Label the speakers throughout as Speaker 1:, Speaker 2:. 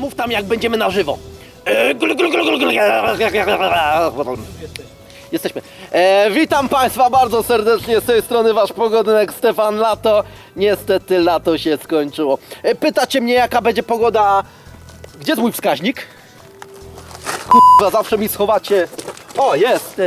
Speaker 1: Mów tam, jak będziemy na żywo. Jesteśmy. Witam Państwa bardzo serdecznie, z tej strony Wasz pogodynek Stefan Lato. Niestety lato się skończyło. Pytacie mnie, jaka będzie pogoda. Gdzie jest mój wskaźnik? Kurwa, zawsze mi schowacie. O, jest.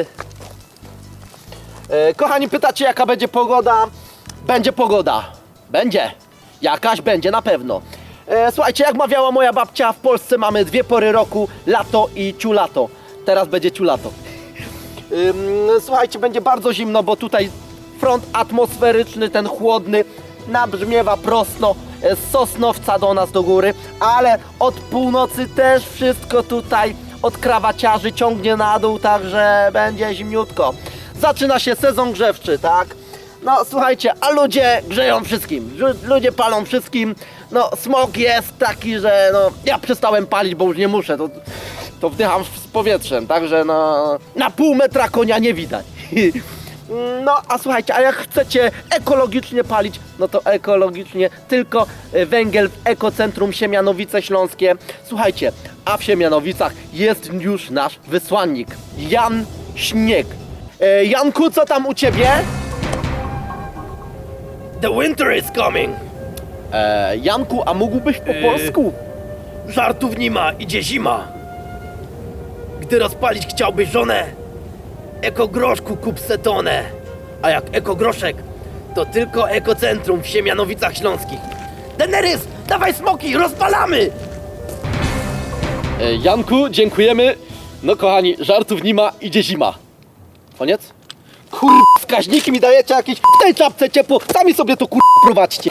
Speaker 1: Kochani, pytacie, jaka będzie pogoda. Będzie pogoda. Będzie. Jakaś będzie na pewno. Słuchajcie, jak mawiała moja babcia, w Polsce mamy dwie pory roku, lato i ciulato. Teraz będzie ciulato. Słuchajcie, będzie bardzo zimno, bo tutaj front atmosferyczny, ten chłodny, nabrzmiewa prosto z Sosnowca do nas do góry, ale od północy też wszystko tutaj od krawaciarzy ciągnie na dół, także będzie zimniutko. Zaczyna się sezon grzewczy, tak? No słuchajcie, a ludzie grzeją wszystkim, ludzie palą wszystkim. No smog jest taki, że no ja przestałem palić, bo już nie muszę, to wdycham z powietrzem, także no na pół metra konia nie widać. No a słuchajcie, a jak chcecie ekologicznie palić, no to ekologicznie tylko węgiel w Ekocentrum Siemianowice Śląskie. Słuchajcie, a w Siemianowicach jest już nasz wysłannik, Jan Śnieg. Janku, co tam u ciebie?
Speaker 2: The winter is coming.
Speaker 1: Janku, a mógłbyś po polsku?
Speaker 2: Żartów nie ma, idzie zima. Gdy rozpalić chciałbyś żonę, ekogroszku kup se tonę. A jak ekogroszek, to tylko Ekocentrum w Siemianowicach Śląskich. Daenerys, dawaj smoki, rozpalamy!
Speaker 1: Janku, dziękujemy. No kochani, żartów nie ma, idzie zima. Koniec? Wskaźniki mi dajecie jakieś w tej czapce ciepło. Sami sobie to prowadźcie.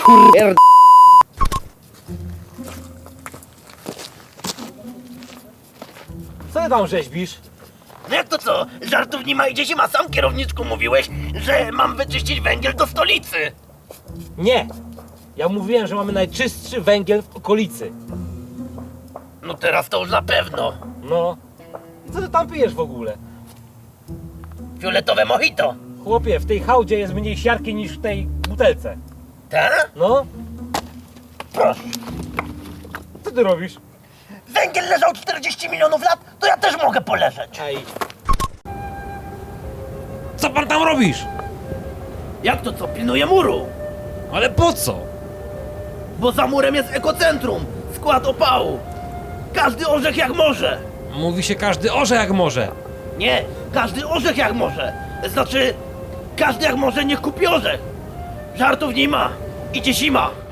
Speaker 3: Co ty tam rzeźbisz?
Speaker 2: No jak to co? Żartów nie ma, idzie zima. Sam kierowniczku mówiłeś, że mam wyczyścić węgiel do stolicy.
Speaker 3: Nie! Ja mówiłem, że mamy najczystszy węgiel w okolicy.
Speaker 2: No teraz to już na pewno.
Speaker 3: No. Co ty tam pijesz w ogóle?
Speaker 2: Fioletowe mojito.
Speaker 3: Chłopie, w tej hałdzie jest mniej siarki niż w tej butelce.
Speaker 2: Tak?
Speaker 3: No.
Speaker 2: Proszę.
Speaker 3: Co ty robisz?
Speaker 2: Węgiel leżał 40 milionów lat, to ja też mogę poleżeć.
Speaker 3: Ej.
Speaker 4: Co pan tam robisz?
Speaker 2: Jak to co? Pilnuję muru.
Speaker 4: Ale po co?
Speaker 2: Bo za murem jest Ekocentrum, skład opału. Każdy orzech jak może.
Speaker 4: Mówi się każdy orze jak może.
Speaker 2: Nie, każdy orzech jak może. Znaczy, każdy jak może niech kupi orzech. Żartów nie ma. Idzie zima.